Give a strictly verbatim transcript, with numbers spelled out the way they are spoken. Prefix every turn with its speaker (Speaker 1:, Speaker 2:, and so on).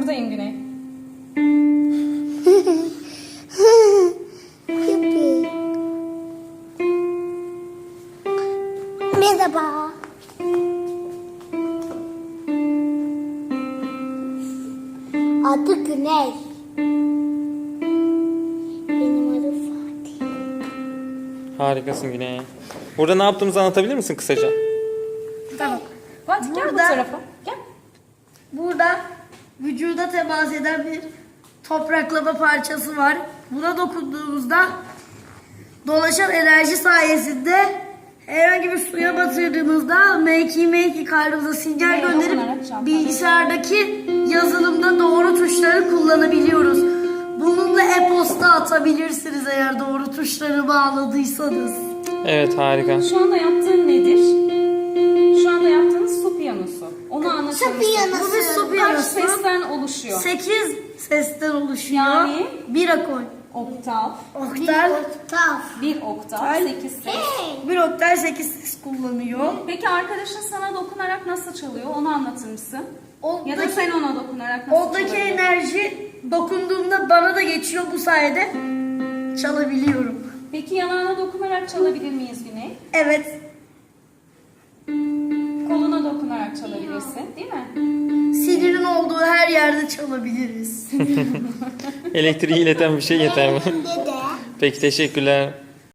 Speaker 1: buradayım Güney.
Speaker 2: Merhaba. Adı Güney. Benim adım Fatih.
Speaker 3: Harikasın Güney. Burada ne yaptığımızı anlatabilir misin kısaca?
Speaker 1: Tamam. Fatih gel bu
Speaker 4: Burada-
Speaker 1: tarafa. Gel.
Speaker 4: Burada vücuda temas eden bir topraklama parçası var. Buna dokunduğumuzda dolaşan enerji sayesinde herhangi bir suya batırdığımızda meki meki kalbimize sinyal
Speaker 1: Neye dokunarak
Speaker 4: gönderip
Speaker 1: çarpar?
Speaker 4: bilgisayardaki yazılımda doğru tuşları kullanabiliyoruz. Bununla e-posta atabilirsiniz eğer doğru tuşları bağladıysanız.
Speaker 3: Evet, harika.
Speaker 1: Şu anda yaptığın nedir? Şu anda yaptığınız su piyanosu. Onu anlatır
Speaker 2: Su
Speaker 1: mısın?
Speaker 2: piyanosu.
Speaker 4: Bu bir su
Speaker 1: Kaç
Speaker 4: piyanosu.
Speaker 1: sesten oluşuyor?
Speaker 4: sekiz sesten oluşuyor.
Speaker 1: Yani?
Speaker 4: Bir akor.
Speaker 1: Oktav,
Speaker 4: Oktav.
Speaker 2: Oktav.
Speaker 1: bir oktav,
Speaker 4: Ay.
Speaker 1: sekiz ses.
Speaker 2: Hey.
Speaker 4: Bir oktav sekiz ses kullanıyor.
Speaker 1: Peki arkadaşın sana dokunarak nasıl çalıyor? Onu anlatır mısın? Ya da
Speaker 4: Oradaki,
Speaker 1: sen ona dokunarak nasıl
Speaker 4: oradaki
Speaker 1: çalıyorsun?
Speaker 4: enerji dokunduğumda bana da geçiyor, bu sayede çalabiliyorum.
Speaker 1: Peki yanağına dokunarak çalabilir miyiz Güney?
Speaker 4: Evet.
Speaker 1: Koluna dokunarak çalabilirsin, değil mi?
Speaker 4: Sinirin olduğu her yerde çalabiliriz.
Speaker 3: Elektriği ileten bir şey yeter mi?
Speaker 2: Dede.
Speaker 3: Peki, teşekkürler.